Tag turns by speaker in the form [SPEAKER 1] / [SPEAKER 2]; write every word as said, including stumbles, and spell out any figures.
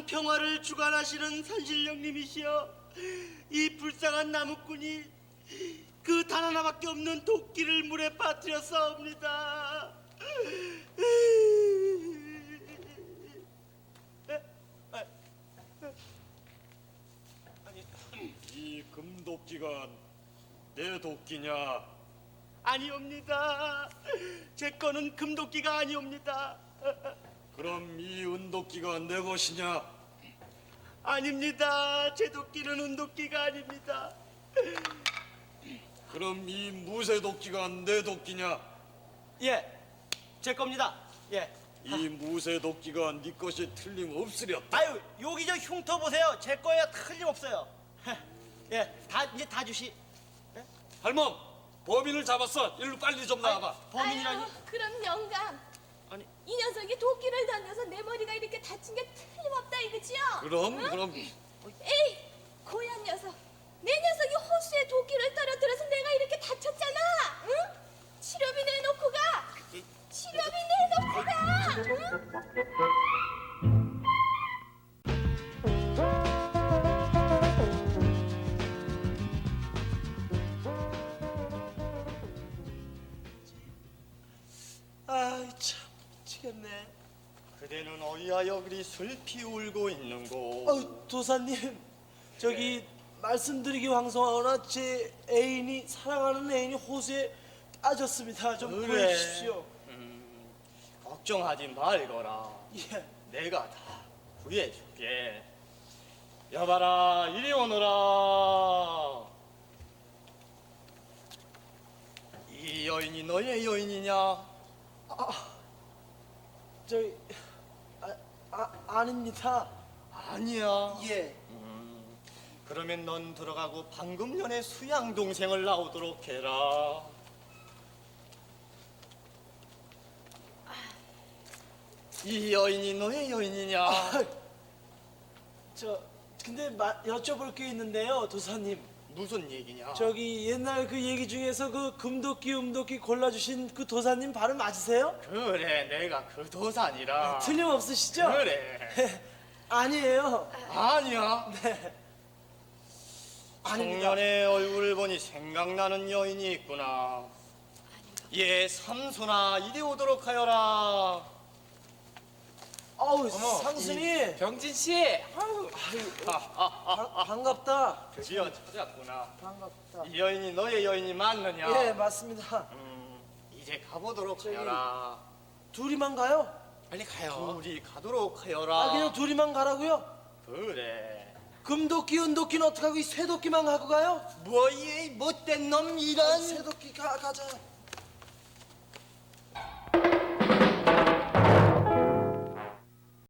[SPEAKER 1] 평화를 주관하시는 산신령님이시여, 이 불쌍한 나무꾼이 그 단 하나밖에 없는 도끼를 물에 빠뜨렸사옵니다.
[SPEAKER 2] 이 금도끼가 내 도끼냐?
[SPEAKER 1] 아니옵니다. 제 거는 금도끼가 아니옵니다.
[SPEAKER 2] 그럼 이 은도끼가 내 것이냐?
[SPEAKER 1] 아닙니다. 제 도끼는 은도끼가 아닙니다.
[SPEAKER 2] 그럼 이 무쇠도끼가 내 도끼냐?
[SPEAKER 1] 예, 제 겁니다. 예.
[SPEAKER 2] 이 무쇠도끼가 네 것이 틀림없으렸다.
[SPEAKER 1] 아유, 여기 저 흉터 보세요. 제 거예요. 틀림없어요. 예, 다 이제 다 주시.
[SPEAKER 2] 할멈, 범인을 잡았어. 일로 빨리 좀 나와봐.
[SPEAKER 1] 범인이라니?
[SPEAKER 3] 아유, 그럼 영감.
[SPEAKER 1] 아니.
[SPEAKER 3] 이 녀석이 도끼를 던져서 내 머리가 이렇게 다친 게 틀림없다 이거지요?
[SPEAKER 2] 그럼
[SPEAKER 3] 응?
[SPEAKER 2] 그럼
[SPEAKER 3] 에이, 고얀 녀석. 내 녀석이 호수에 도끼를 떨어뜨려서 내가 이렇게 다쳤잖아. 응? 치료비 내놓고 가. 치료비 내놓고 가. 응?
[SPEAKER 1] 아이 참 미치겠네.
[SPEAKER 4] 그대는 어이하여 그리 슬피 울고 있는고?
[SPEAKER 1] 어, 도사님, 저기 말씀드리기 황송하거나 제 애인이 사랑하는 애인이 호수에 빠졌습니다. 좀
[SPEAKER 4] 그래.
[SPEAKER 1] 구해주십시오.
[SPEAKER 4] 음, 걱정하지 말거라.
[SPEAKER 1] 예.
[SPEAKER 4] 내가 다 구해줄게. 여봐라, 이리 오너라. 이 여인이 너의 여인이냐?
[SPEAKER 1] 저기 아, 아 아닙니다.
[SPEAKER 4] 아니야.
[SPEAKER 1] 예.
[SPEAKER 4] 음, 그러면 넌 들어가고 방금 전에 수양 동생을 나오도록 해라. 이 여인이 너의 여인이냐?
[SPEAKER 1] 아, 저 근데 마, 여쭤볼 게 있는데요, 도사님.
[SPEAKER 4] 무슨 얘기냐?
[SPEAKER 1] 저기 옛날 그 얘기 중에서 그 금도끼 음도끼 골라주신 그 도사님 발음 맞으세요?
[SPEAKER 4] 그래, 내가 그 도산이라.
[SPEAKER 1] 틀림없으시죠?
[SPEAKER 4] 그래.
[SPEAKER 1] 아니에요.
[SPEAKER 4] 아니야.
[SPEAKER 1] 네. 아닙니다.
[SPEAKER 4] 청년의 얼굴을 보니 생각나는 여인이 있구나. 예, 삼손아, 이리 오도록 하여라.
[SPEAKER 1] 어우, 상순이.
[SPEAKER 5] 병진 씨,
[SPEAKER 1] 아유, 바, 반갑다.
[SPEAKER 4] 드디어 찾았구나.
[SPEAKER 1] 반갑다.
[SPEAKER 4] 이 여인이 너의 여인이 맞느냐?
[SPEAKER 1] 예, 맞습니다.
[SPEAKER 4] 음, 이제 가보도록
[SPEAKER 1] 저기-
[SPEAKER 4] 하여라.
[SPEAKER 1] 둘이만 가요?
[SPEAKER 5] 빨리 가요.
[SPEAKER 4] 둘이 가도록 하여라.
[SPEAKER 1] 아, 그냥 둘이만 가라고요?
[SPEAKER 4] 그래.
[SPEAKER 1] 금도끼, 은도끼는 어떡하고 이 쇠도끼만 갖고 가요?
[SPEAKER 4] 뭐 이 못된 놈 이런.
[SPEAKER 1] 쇠도끼 가, 가자.